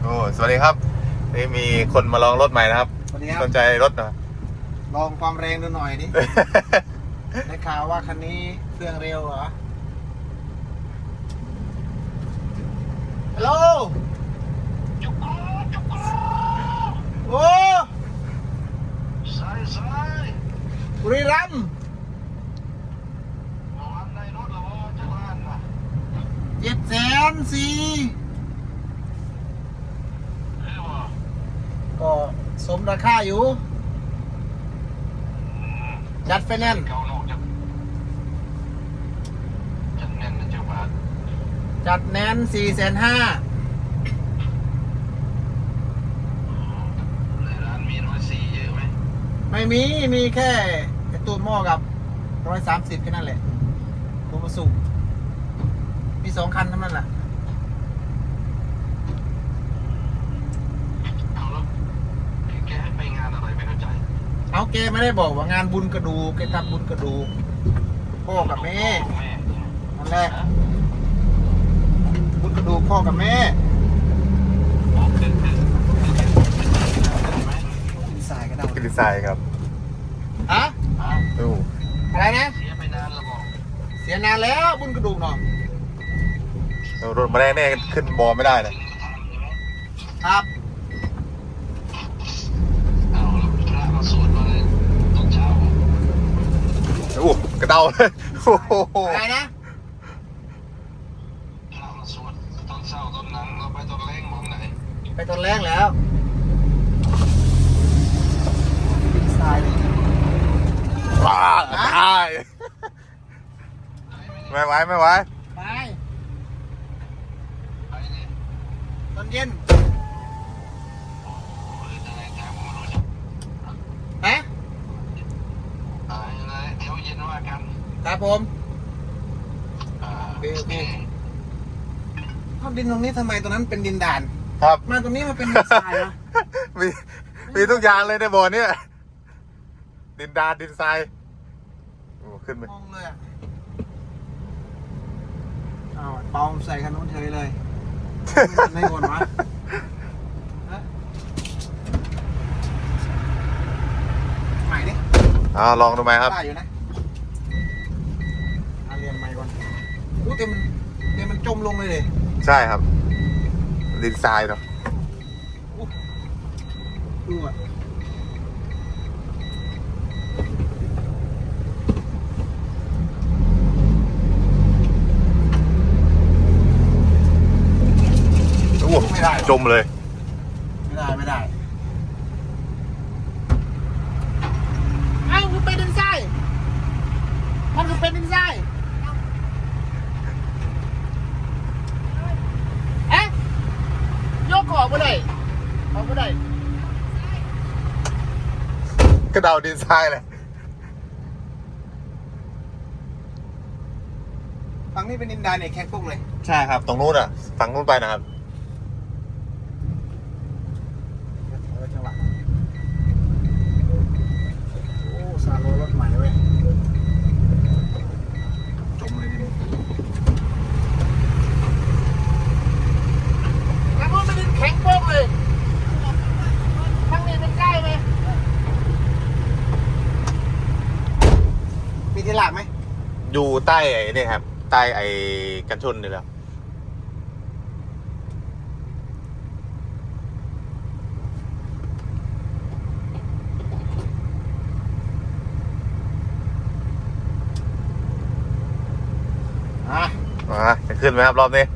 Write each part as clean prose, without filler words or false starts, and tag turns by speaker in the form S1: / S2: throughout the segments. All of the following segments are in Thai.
S1: โอ้สวัสดีครับนี่มีคนมาลองรถใหม่นะครับ
S2: สวัสดีครับ
S1: สนใจรถเหรอ
S2: ลองความแรงดูหน่อยดิ ได้ข่าวว่าคันนี้เครื่องเร็วเหรอ ฮัลโหลโอ้บุรีรัมย์700,000 ก็สมราคาอยู่ จัดไฟแนนซ์จัดแนน450,000ไม่มี มีแค่ไอ้ตัวหม้อกับ130แค่นั้นแหละตัวมาสูบมี2 คันเท่านั้นแหละเอาแกไม่ได้บอกว่างานบุญกระดูกแกทำบุญกระดูกพ่อกับแม่นั่นแหละบุญกระดูกพ่อกับแม่กินทรายก็ได้
S1: กินดีไซน์ครับ
S2: ฮะ
S1: ดู
S2: อะไรนะเสียนานแล้วบุญกระดูกเนาะ
S1: รถมาแรกเนี่ยขึ้นบอไม่ได้นะครับ โอ้กระเดาเลยโอ้โห
S2: อะไรนะไปตอนแรกแล้วกินทรายเลย
S1: ว้าได้ไม่ไหวไม่ไหว
S2: ไปตอนเย็นฮะครับผมโอเคเอาดินตรงนี้ทำไมตรงนั้นเป็นดินด่าน
S1: ครับ
S2: มาตรงนี้มันเป็นดินทรายนะ
S1: มีทุกอย่างเลยในบ่อเนี่ยดินดานดินทรายโอ้ขึ้นไป
S2: มองเลยอ่ะเอาเปาใส่คันนู้นเฉยเลยไม่วนวะฮะใหม่ดิ
S1: ลองดูไหมครับ
S2: ได้อยู่นะเรียนใหม่ก่อนอู้แต่มันจมลงเลยดิ
S1: ใช่ครับ ดินทรายเนาะ
S2: ดูอ่ะ
S1: โอ้ไม่ได้จมเลย
S2: ไม่ได้เอ้ามันเป็นดินทรายมันคือเป็นดินทรายเอ๊ะยกออกไปเลยออกไปเลย
S1: กระเดาดินทรายเลย
S2: ฝั่งนี้เป็นดินดานเนี่ยแค่พวกเลย
S1: ใช่ครับ ตรงนู้นอ่ะฝั่งนู้นไปนะครับ
S2: จังหวะโอ้ซาโลรถใหม่เว้ยจมเลยดิแล้วมันเป็นดินแข็งโป๊กเลยข้างนี้เป็นใกล้ไหมมีที่หลักไหม
S1: อยู่ใต้ไอ้นี่ครับ ใต้ไอ้กันชนนี่แหละจะขึ้นไหมครับรอบนี้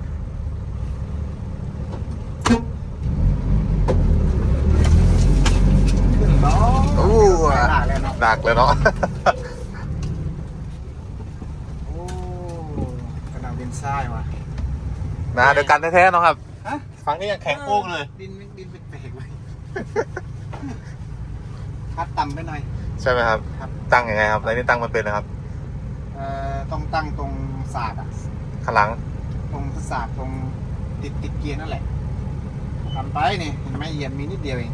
S2: ขึ้นเนาะ
S1: โอ้
S2: หลักเลยเนาะ
S1: ดักเลยเนาะ
S2: โอ้กระดาษดินทรายว่ะ
S1: นะเดียวกันแท้ๆเนาะครับ
S2: ฮะ
S1: ฝั่งนี้ยังแข็งโป๊กเลย
S2: ดินเป็นเปลกๆเลยพัดต่ำไปหน่อย
S1: ใช่ไหมครับ
S2: ครับ
S1: ตั้งยังไงครับอะไรนี่ตั้งมันเป็นนะครับ
S2: ต้องตั้งตรงศาสตร์อ่ะ
S1: ข้างหลัง
S2: ตรงศาสตร์ตรงติดเกียร์นั่นแหละทำไปนี่เห็นไหมเหยียบมีนิดเดียวเอง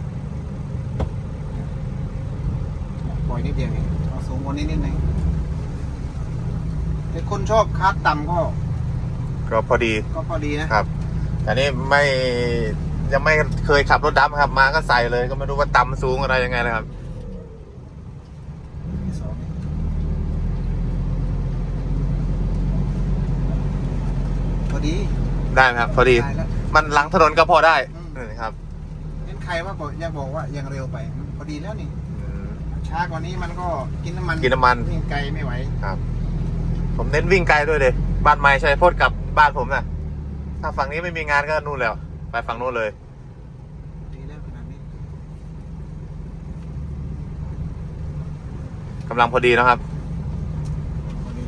S2: ปล่อยนิดเดียวเองเอาสูงกว่านี้นิดนึงแต่คนชอบคัดต่ำก็
S1: ก็พอดี
S2: ก็พอดีนะครับ
S1: อันนี้ไม่ยังไม่เคยขับรถดำครับ มาก็ใส่เลย ก็ไม่รู้ว่าต่ำสูงอะไรยังไงนะครับ
S2: สองพอดี
S1: ได้ไหมครับ พอดี
S2: ได้แล้ว
S1: มันหลังถนนก็พอได้
S2: อืม
S1: นี่ครับ
S2: เห็นใครว่าบอกยังบอกว่ายังเร็วไป พอดีแล้วนี่
S1: อืม
S2: ช้ากว่านี้มันก็กินน้ำมัน
S1: กินน้ำมัน
S2: วิ่งไกลไม่ไหว
S1: ครับ ผมเน้นวิ่งไกลด้วยเลยบ้านไม้ชัยพจน์กับบ้านผมนะถ้าฝั่งนี้ไม่มีงานก็นู่นแล้ว ไปฝั่งนู้นเลย
S2: ดีแล้วขนาดนี้
S1: กำลังพอดีนะครับ
S2: พอดี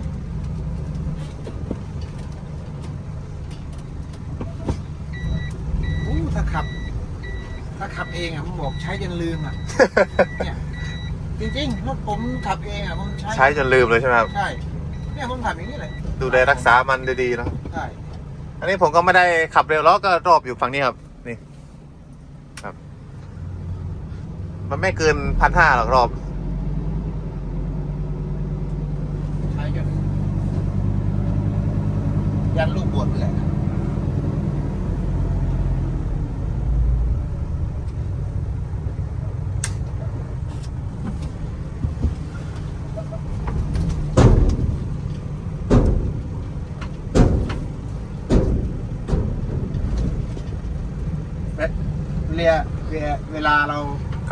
S2: อู้ถ้าขับเองอ่ะผมบอกใช้จนลืมอ่ะ เนี่ยจริงๆรถผมขับเองอ่ะผมใช้
S1: ใช้จนลืมเลยใช่ไหมครับ
S2: ใช่เนี่ยผมขับอย่างนี้เลย
S1: ดูแลรักษามันดีๆนะครับ
S2: ใช่
S1: อันนี้ผมก็ไม่ได้ขับเร็วแล้วก็รอบอยู่ฝั่งนี้ครับ นี่ครับ มันไม่เกิน1,500หรอกรอบ
S2: ใช้จนยันลูกบวชเลย เวลาเรา